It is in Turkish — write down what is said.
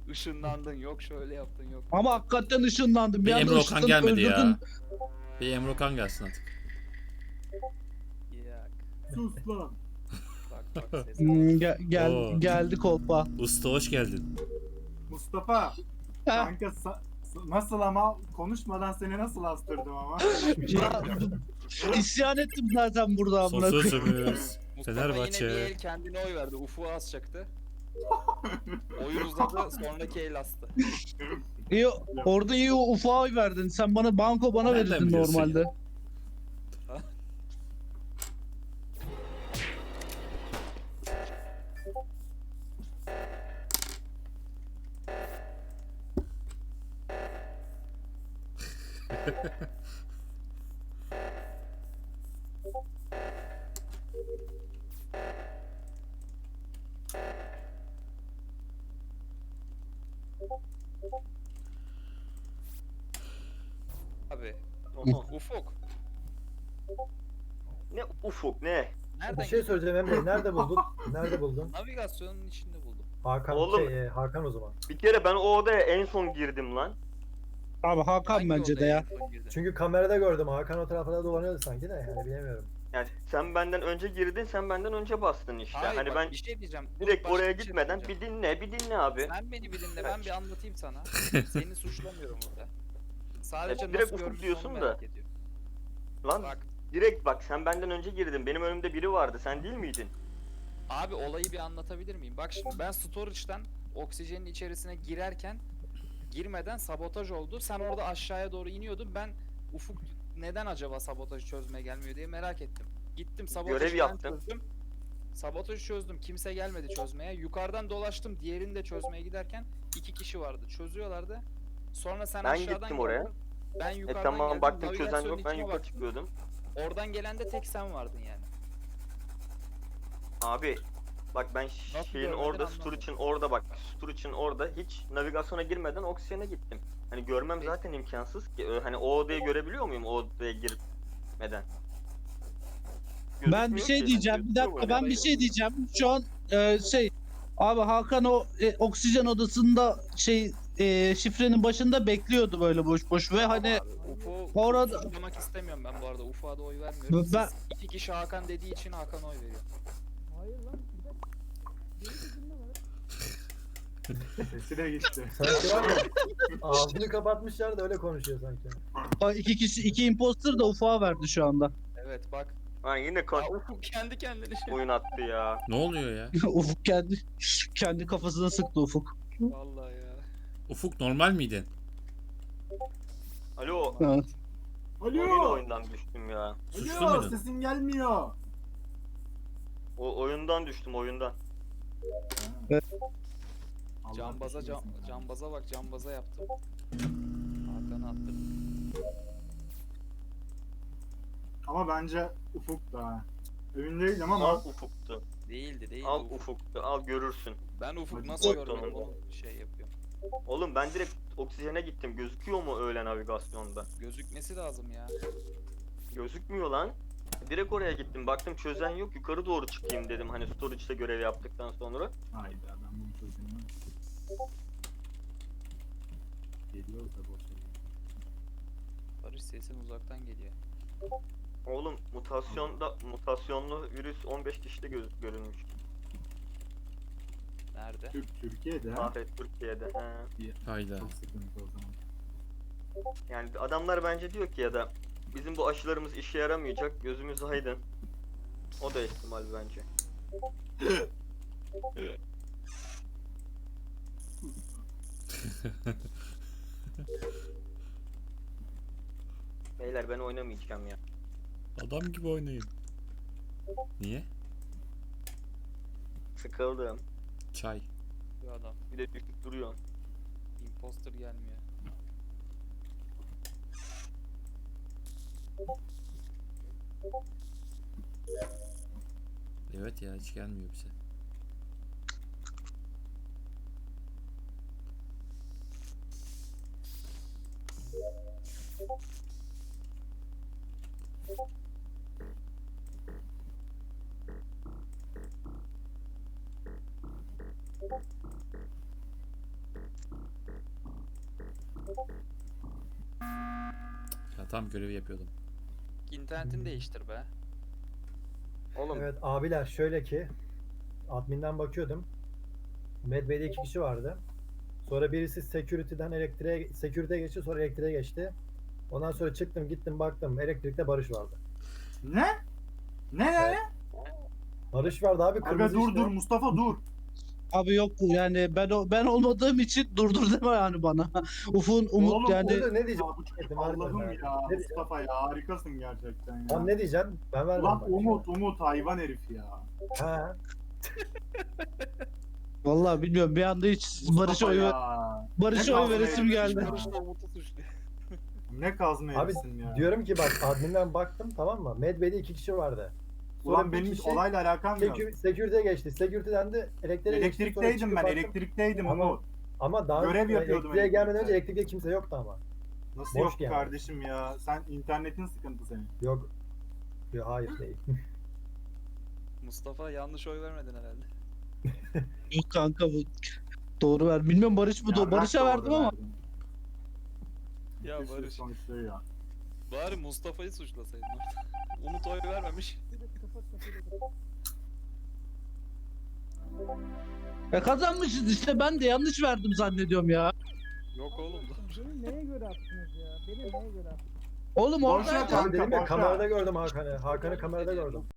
Işınlandın yok şöyle yaptın yok. Ama hakikaten ışınlandım. Bir anda Emre Okan ışınlanıp gelmedi öldürdün. ya. Bir Emre Okan gelsin artık. Yak. Sus lan. Bak ses. Oo. Geldi kolpa. Usta hoş geldin. Mustafa. Heh. Kanka nasıl ama konuşmadan seni nasıl astırdım ama. Ya, isyan ettim zaten burada amına koyayım. Sosözümüz. Mustafa yine bir Fenerbahçe. el kendine oy verdi. Ufuk'a asacaktı. Oyu uzadı sonraki el astı. İyi, orada iyi ufağa oy verdin. Sen banko bana Nereden verirdin biliyorsun normalde. ya? Abi. Oha. Ufuk. Ne ufuk ne? Nereden Bir şey söyleyeceğim Emre. Nerede buldun? Nerede buldun? Navigasyonun içinde buldum. Hakan Oğlum. Hakan o zaman. Bir kere ben o odaya en son girdim lan. Abi Hakan Hangi bence de odaya ya. en son girdin? Çünkü kamerada gördüm. Hakan o taraflarda dolanıyordu sanki de. Yani bilemiyorum. Yani sen benden önce girdin, sen benden önce bastın işte. Hayır, hani bak, ben bir şey diyeceğim. Dur, direkt başka oraya bir şey gitmeden söyleyeceğim. bir dinle abi. Sen beni bir dinle ben bir anlatayım sana. Seni suçlamıyorum burada. Sadece Ya, direkt nasıl ufuk görmüşsün diyorsun onu da. merak ediyorum. Lan Bak direkt bak sen benden önce girdin. Benim önümde biri vardı. Sen değil miydin? abi olayı bir anlatabilir miyim? Bak şimdi ben storage'dan oksijenin içerisine girmeden sabotaj oldu. Sen orada aşağıya doğru iniyordun. Ben Ufuk neden acaba sabotajı çözmeye gelmiyor diye merak ettim. Gittim sabotajı Görev ben yaptın. çözdüm. Sabotajı çözdüm. Kimse gelmedi çözmeye. Yukarıdan dolaştım. Diğerini de çözmeye giderken 2 kişi vardı. Çözüyorlardı. Sonra sen Ben aşağıdan gittim oraya. geldin. Ben yukarıdan Tamam geldim. baktım çözen navigasyonun yok. Ben içine yukarı baktım. çıkıyordum. Oradan gelen de tek sen vardın yani. Abi bak ben Nasıl şeyin görmedin orada, anlamadım. Storage'ın orada bak. Storage'ın orada hiç navigasyona girmeden oksijene gittim. Hani görmem Peki. zaten imkansız ki. Hani o odayı görebiliyor muyum o odaya girmeden? Ben bir Gözükmüyor şey ki. diyeceğim. Hani Bir gözüküyor dakika böyle. ben bir şey diyeceğim. Şu an abi Hakan o oksijen odasında şifrenin başında bekliyordu böyle boş boş ve hani Abi, Ufuk'u orada- suçlamak istemiyorum ben bu arada. Ufuk'a da oy vermiyorum. Ben- Siz iki kişi Hakan dediği için Hakan'a oy veriyor. Sesi de gitti. Sanki var ya. Ağzını kapatmışlar da öyle konuşuyor sanki. iki imposter da ufağa verdi şu anda. Evet bak. Ha yine Ya Ufuk kendi kendine şey. oyun attı ya. Ne oluyor ya? Ufuk kendi kafasına sıktı Ufuk. Vallahi ya. Ufuk normal miydin? Alo. Ha. Yine Alo. oyundan düştüm ya. Suçlu Alo muydun? sesin gelmiyor. O oyundan düştüm oyundan. Allah Cambaza düşmesin ya. cambaza bak cambaza yaptım. Hakan'a attım. Ama bence Ufuk da. Emin değilim Al ama ufuktu. Değildi Al Ufuk. ufuktu. Al görürsün. Ben Ufuk Hadi nasıl bakalım. görmedim onu şey yapıyorum. Oğlum ben direkt oksijene gittim. Gözüküyor mu öyle navigasyonda? Gözükmesi lazım ya. Gözükmüyor lan. Direkt oraya gittim. Baktım çözen yok. Yukarı doğru çıkayım dedim. Hani storage'da görev yaptıktan sonra. hayda ben bunu çözemiyorum. Geliyor da boş ver. Barış sesin uzaktan geliyor. Oğlum mutasyonlu virüs 15 kişide görülmüş. Nerede? Türkiye'de Afet Türkiye'de. He. Hayda. çok sıkıntı o zaman. Yani adamlar bence diyor ki ya da bizim bu aşılarımız işe yaramayacak. Gözümüz aydın. O da ihtimal bence. Beyler ben oynamayacağım ya. Adam gibi oynayın. Niye? Sıkıldım. Çay. Bu adam. Bir de düşüp duruyor. Imposter gelmiyor. Evet ya hiç gelmiyor bize. Ya tam görevi yapıyordum. İnternetini değiştir be. Oğlum Evet abiler şöyle ki adminden bakıyordum. Medbay'de 2 kişi vardı. Sonra birisi security'den security'ye geçti, sonra elektriğe geçti. Ondan sonra çıktım gittim baktım elektrikte Barış vardı. Ne? Ne? Barış vardı abi Aga kırmızı dur işte. dur Mustafa dur. Abi yok yani ben olmadığım için durdur deme yani bana. Ufuk'un Umut Oğlum, yani Orada ne Ya diyeceğim? bu çocuk Yetim, harbiden Allah'ım abi. ya. Ne diyeceğim? Mustafa ya harikasın gerçekten ya. Lan ne diyeceğim? Ben vermem. Ulan bak. Umut hayvan herif ya. Ha. vallahi bilmiyorum bir anda hiç Barış'a Mustafa oy ya. Barış'a Ne oy kazma veresim herif geldi. ya. Barış'la Umut'u suçluyor. Ne kazma Abi herifsin ya. diyorum ki bak adminden baktım tamam mı? Medbay'de 2 kişi vardı. Sonra Ulan bir benim hiç kişi olayla alakam yok. security'ye geçti. Security'den de elektriğe geçti. Sonra Elektrikteydim çıkıp ben, baktım. elektrikteydim Ama- Umut. Ama daha Görev yapıyordum elektriğe gelmeden önce elektrikte. elektrikte kimse yoktu ama. Nasıl Boş yok yani. kardeşim ya? Sen internetin sıkıntı senin. Yok. Yok hayır değil. Mustafa yanlış oy vermedin herhalde. Yok kanka bu doğru ver. Bilmiyorum Barış mı? Yarrak Barış'a doğru verdim ama. verdin. Ya Bir sürü Barış. sonuçluyor ya. Bari Mustafa'yı suçlasaydın orada. Umut oy vermemiş. Kazanmışız işte ben de yanlış verdim zannediyorum ya. Yok oğlum. Beni neye göre attınız ya? Beni neye göre attınız? Oğlum Boş orada ver kanka, Dedim ya boş ver. kamerada gördüm Hakan'ı. Hakan'ı kamerada gördüm.